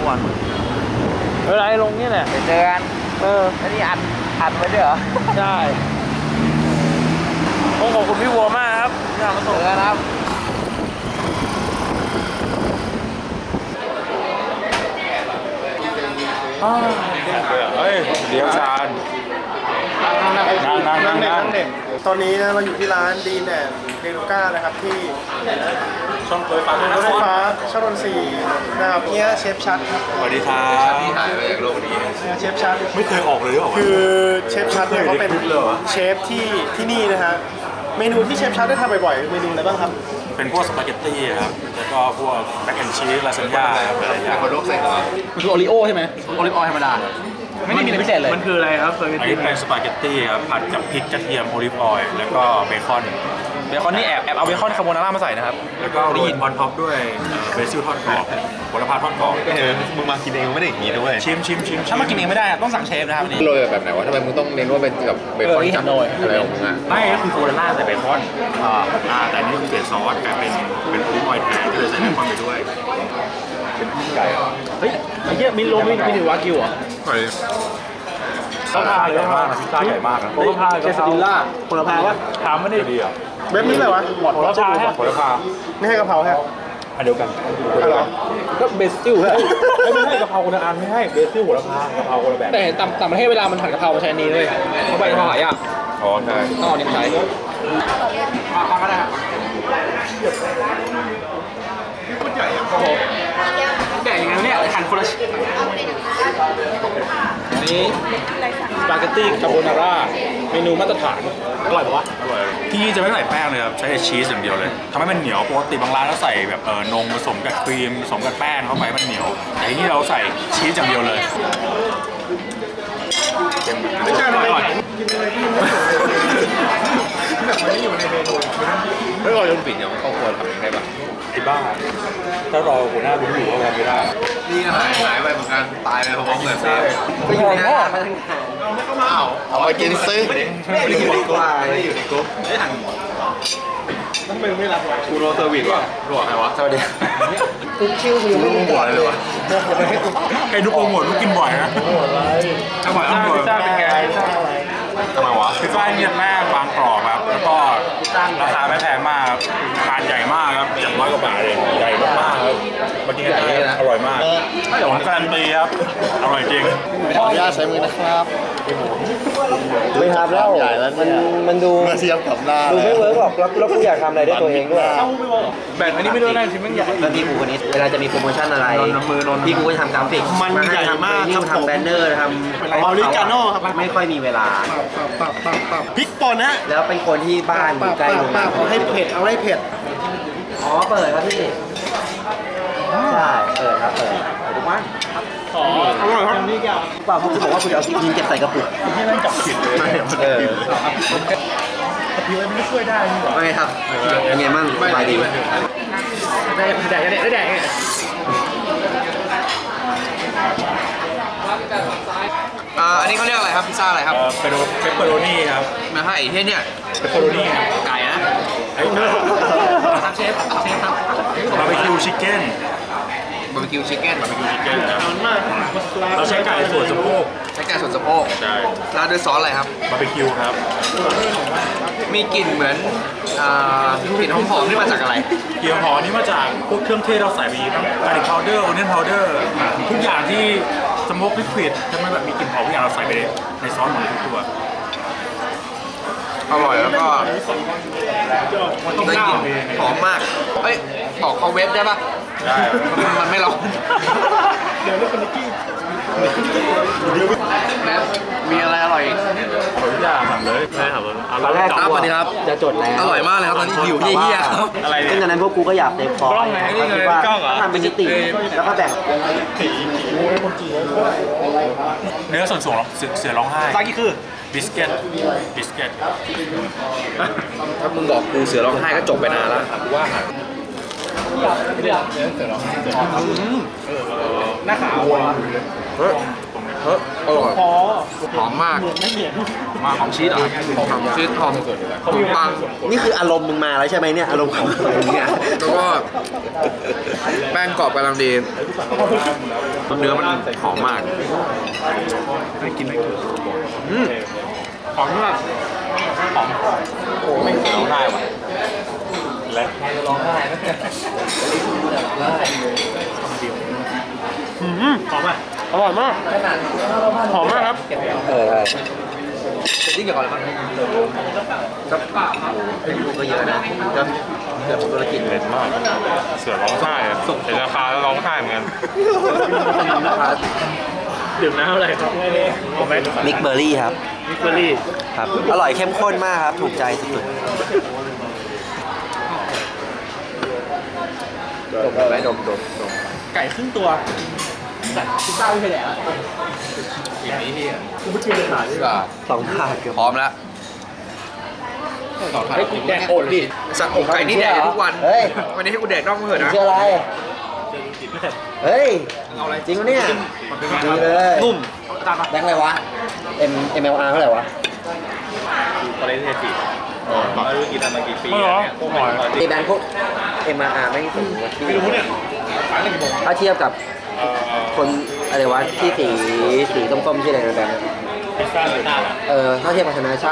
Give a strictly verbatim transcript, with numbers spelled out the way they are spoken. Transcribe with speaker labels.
Speaker 1: วันเวลาลงนี่แหละ
Speaker 2: เจอกัน
Speaker 1: เออ
Speaker 2: อันนี้อัดอัดไว้ด้วยเหรอ
Speaker 1: ใช่ขอบคุณพี่วัวมากครับที่มาส่ง
Speaker 2: กันครับ
Speaker 3: เฮ้ยเดี๋ยวชาญนั่งนั่งนั่งนั่ง
Speaker 4: ตอนนี้นะเราอยู่ที่ร้านดีแนนเดลูก้านะครับที่
Speaker 3: ช่องรถไฟฟ้ารถ
Speaker 4: ไฟฟ้าช่องนนทรีนะครับเนี่ยเชฟชัดครับ
Speaker 3: สวัสดีครับที่ถ่ายมาจากโลกนี้
Speaker 4: เนี่ยเชฟชัด
Speaker 3: ไม่เคยออกเลยหรอ
Speaker 4: คือเชฟชัดเนี่ยเขาเป็นเชฟที่ที่นี่นะฮะเมนูที่เชฟชัดได้ทำบ่อยๆเมนูอะไรบ้างครับ
Speaker 3: เป็นพวกสปาเกตตี้ครับแล้วก็พวกแมคแอนชีสลาซานญ่าอะไรอย่างเงี้ยคนโลกใส่
Speaker 2: มันคือโอริโอใช่ไหมโอริโอธรรมดาไม่ได้มีอะไรพิเศษเลย
Speaker 1: มันคืออะไรครับ
Speaker 3: อันนี้เป็นสปาเกตตี้ครับผัดกับพริกกระเทียมโอลิฟออยล์แล้วก็เบคอน
Speaker 2: เบคอนนี่แอบแอบเอาเบคอนคาโบนาร่ามาใส่นะครับ
Speaker 3: แล้วก็โรยออนท็อปด้วยเบซิลทอดกรอบโหระพาทอดกรอบ
Speaker 4: เออมึงมากินเองไม่ได้อย่างนี้ด้วย
Speaker 3: ชิมชิมชิม
Speaker 2: ถ้ามากินเองไม่ได้ต้องสั่งเชฟนะครับนี่
Speaker 5: โรยแบบไหนวะทำไมมึงต้องเน้นว่าเป็นแบบเบคอนจับอะไรของมึงอ่ะ
Speaker 3: ไม่ก็คือโคลาล่าใส่เบคอนอ่าอ่าแต่นี่คือเปลี่ยนซอสกลายเป็นเป็นโอลิฟออยล์แทนก็เลยใส่เบคอนไปด้วยเป็นไก่
Speaker 1: เฮ้ยไอ้เหี้ยมิโลมิมินิวากิวเหรอ
Speaker 3: พิซซ่าใหญ่มากนะพิซซ่าใหญ่มากนะ
Speaker 1: โหระพาเชสติลล่าโหระพาวะถามมันดิ
Speaker 3: ดีอ่ะ
Speaker 4: เว็บนี้อะไรวะ
Speaker 1: โหระพาฮะ
Speaker 3: โหระพา
Speaker 4: ไม่ให้กะเพราฮะ
Speaker 3: อันเดียวกัน
Speaker 4: อะไร
Speaker 1: ก็เบสิลฮะ
Speaker 3: ไม่ให้กะเพราคนละอันไม่ให้เบสิลโหระพากะเพราคนละแบบ
Speaker 1: แต่ต่ำต่ำประเทศเวลามันผัดกะเพรามาใช้นี้เลยเขาใบกะเพราหายาก
Speaker 3: อ๋อใช่
Speaker 1: อ๋อนี่ใช้ฟังก็ได้ครับพูดใหญ่อะโอ้โหใหญ่ยังไงเนี่ยหั่นคนละชิ้นอันนี้สปาเกตตี้คาโบนาร่าเมนูมาตรฐานอร่อยปะวะ
Speaker 3: อร่อยที่นี่จะไม่ใส่แป้งเลยครับใช้แต่ชีสอย่างเดียวเลยทำให้มันเหนียวปกติบางร้านเราใส่แบบเออนมผสมกับครีมผสมกับแป้งเข้าไปมันเหนียวแต่ที่นี่เราใส่ชีสอย่างเดียวเลย
Speaker 4: ไม่ใช่อร่อยกินอะไรที่ไม่แบบมันไม่อยู่ในเมนู
Speaker 5: ไม่รอจนปิดเนี่ยครอบครัวทำได้ปะ
Speaker 3: ไอ้บ้าถ้ารอหัวหน้ารู้อยู่ว่าทำไม่ได้
Speaker 5: นี่หายหายไปเหมือนกันตายไปพร้อมๆกัน
Speaker 1: ไปอยู่ในหม้อ
Speaker 5: เอาเอาไปกินซิไม่ได้อยู่ในกรุ๊ปไม่ได้อยู่ในกรุ๊ปไม่ทัน
Speaker 4: ทำไมไม่รับ
Speaker 5: กูโรเซอร์วิสวะรู้ใครวะสวัสดี
Speaker 4: กุ๊กชิวคือ
Speaker 5: ลูกหัวเลยวะ
Speaker 3: ไอ้นุ๊กโปรโมทนุ๊กกินบ่อยนะ
Speaker 1: อร่อยมากพิซซ่าเป็นไงพิซซ่าอะไร
Speaker 3: ทำไมวะพิซซ่าเนี่ยแรกบางกรอบครับแล้วก็ราคาไม่แพงมากทานใหญ่มากครับอย่างร้อยกว่าบาทเองใหญ่มากๆครับมากินกันเองอร่อยมากผมการันตีครับอร่อยจริง
Speaker 4: ขออนุญาตใช้มือนะครับ
Speaker 1: ไม่ทำแล้วมันมันดู
Speaker 4: มาเทียบกับหน้า
Speaker 1: ดูไม่เวิร์กหรอกแล้วกูอยากทำอะไรด้วยตัวเองด้วยแบตอันนี้ไม่ได้ชิ้นมันใหญ่
Speaker 2: แล้วพี่กูคนนี้เวลาจะมีโปรโมชั่นอะไรพี่กูจะทำกราฟิก
Speaker 4: มันใหญ่มาก
Speaker 2: ทำแบนเนอร์ทำ
Speaker 4: ออริกาโน่ครับ
Speaker 2: ไม่ค่อยมีเวลา
Speaker 4: พริกป่นนะ
Speaker 2: แล้วเป็นคนที่บ้านอยู่ใกล้โรงงาน
Speaker 4: เอาให้เผ็ดเอาให้เผ็ด
Speaker 2: อ๋อเปิดครับพี่ใช่เปิดครับเปิดทุกวัน
Speaker 4: อ๋ออร่อยครับนี่แก
Speaker 2: เปล่าเพราะคุณบอกว่าคุณเอายิงเก็บใส่กระปุก
Speaker 4: ที่นั่นจับผิดเลย
Speaker 2: เออ
Speaker 4: ผิวมันไม่ช่วยได้
Speaker 2: ไม่ครับยังไงมั่งสบายดี
Speaker 1: ได้แดกได้แดก
Speaker 2: อ่าอันนี้เขาเรียกอะไรครับพิซซ่าอะไรครับ
Speaker 3: เปโรเปปเปอโรนี่ครับ
Speaker 2: มาให้เฮ้ยเนี่ย
Speaker 3: เปปเปอโรนี่
Speaker 2: ไก่นะ
Speaker 3: ไอ้เนื้อ
Speaker 2: เชฟเชฟครับ
Speaker 3: บาร์บีคิวชิคเก้น
Speaker 2: บาร์บีคิวชิคเก้น
Speaker 3: บาร์บีคิวชิคเก้นครับเราใช้ไก่ส่วนสะโพก
Speaker 2: ใช้ไก่ส่วนสะโพก
Speaker 3: ใช่
Speaker 2: ราดด้วยซอสอะไรครับ
Speaker 3: บาร์บีคิวครับ
Speaker 2: มีกลิ่นเหมือนกลิ่นหอมๆที่มาจากอะไร
Speaker 3: กลิ่นหอมนี่มาจากพวกเครื่องเทศเราใส่ไปทั้งกาลิกพาวเดอร์โอเนียนพาวเดอร์ทุกอย่างที่สโมกลิควิดทำให้แบบมีกลิ่นหอมทุกอย่างเราใส่ไปในซอสหมดทุกตัว
Speaker 2: อร่อยแล้วก็ได้กลิ่นหอมมากเอ้ยบอกเขาเวฟได้ปะ
Speaker 3: ได้
Speaker 2: มันไม่ร้อน
Speaker 4: เดี๋ยวเรียกคนนิกกี้
Speaker 2: มีอะไรอร่อย
Speaker 3: ทุกอย่างทำเลยใช่ครับ
Speaker 2: ตอนแรกครับสวัสดีครับ
Speaker 1: จะจดแล้ว
Speaker 2: อร่อยมากเลยครับตอนนี้หิวเหี้ยๆ
Speaker 3: อะไร
Speaker 2: ซึ่งตอนนั้นพวกกูก็อยากเตะคอคิดว่าทำเป็นนิติแล้วก็แบ่ง
Speaker 3: เนื้อส่วนสูงเสือร้องไห้
Speaker 1: ซากิคือ
Speaker 3: บิสเกตบิสเกต
Speaker 2: ถ้ามึงบอกกูเสือร้องไห้ก็จบไปนานแล้วว่า
Speaker 1: หน้าขาว
Speaker 2: เฮ้ยเฮ้ยโอ
Speaker 5: อร่อย
Speaker 4: พอ
Speaker 5: หอมมาก
Speaker 4: เหมือนไม่เหมือน
Speaker 3: มาของชีสเหรอ
Speaker 5: หอมชีสหอมขนมปัง
Speaker 2: นี่คืออารมณ์มึงมาแล้วใช่ไหมเนี่ยอารมณ์ของมึงเนี่ย
Speaker 5: แล้วก็แป้งกรอบกำลังดีเนื้อมันหอมมาก
Speaker 3: อืมหอมมากหอมโอ้ไม่ร้องไห้ว่ะและ
Speaker 4: อืมหอมอ่ะอร่อยมากหอมมากครับ
Speaker 2: เออใช่
Speaker 5: ที่เกี่ยวกับอะไรบ้าง
Speaker 2: ก็เยอะนะก็เกือบธุรกิจเลย
Speaker 3: มากเสือร้องไห้อะเห็นราคาแล้วร้องไห้เหมือนกัน
Speaker 4: ดื่มน้ำอะไรครับผมไม่
Speaker 2: มิกเบอร์รี่ครับ
Speaker 4: มิกเบอร์รี่
Speaker 2: ครับ อร่อยเข้มข้นมากครับ ถูกใจสุด
Speaker 5: ดมไหมดมดมดม
Speaker 4: ไก่ครึ่งตัวพิซซ่าไม่เคยแดกอ่ะ
Speaker 5: อีกนี้ที่
Speaker 4: กูไม่กินเลยหาดิ
Speaker 5: ก็
Speaker 2: ๆสองถาดเกือบ
Speaker 5: พร้อมแล้วให้กูแดกโอนดิสั่งอกไก่นี่แดกทุกวัน
Speaker 2: เฮ้ย
Speaker 5: วันนี้ให้กูแดกน่องเถอะนะ
Speaker 2: ชื่ออะไร เฮ้ย
Speaker 5: เอาอะไร
Speaker 2: จริงปะเนี่ยดีเลย
Speaker 5: นุ่ม
Speaker 2: แบงค์อะไรวะ M M L R เท่าไหร่วะ
Speaker 1: ตอนนี้เทจิไม่รู้กินมากี่ปี
Speaker 3: ไม่หรอ
Speaker 1: เนี่ย
Speaker 3: โอ้ย
Speaker 2: ไอแบงค์พวก M R R ไม่สูงกว่าที่ไม่รู้เนี่ยถ้าเทียบกับคนอะไรวะที่สีสีส้มๆชื่ออะไรนะแบงค์
Speaker 1: พิซซ่าหรือหน้า
Speaker 2: เออถ้าเทียบกับธนาชาติ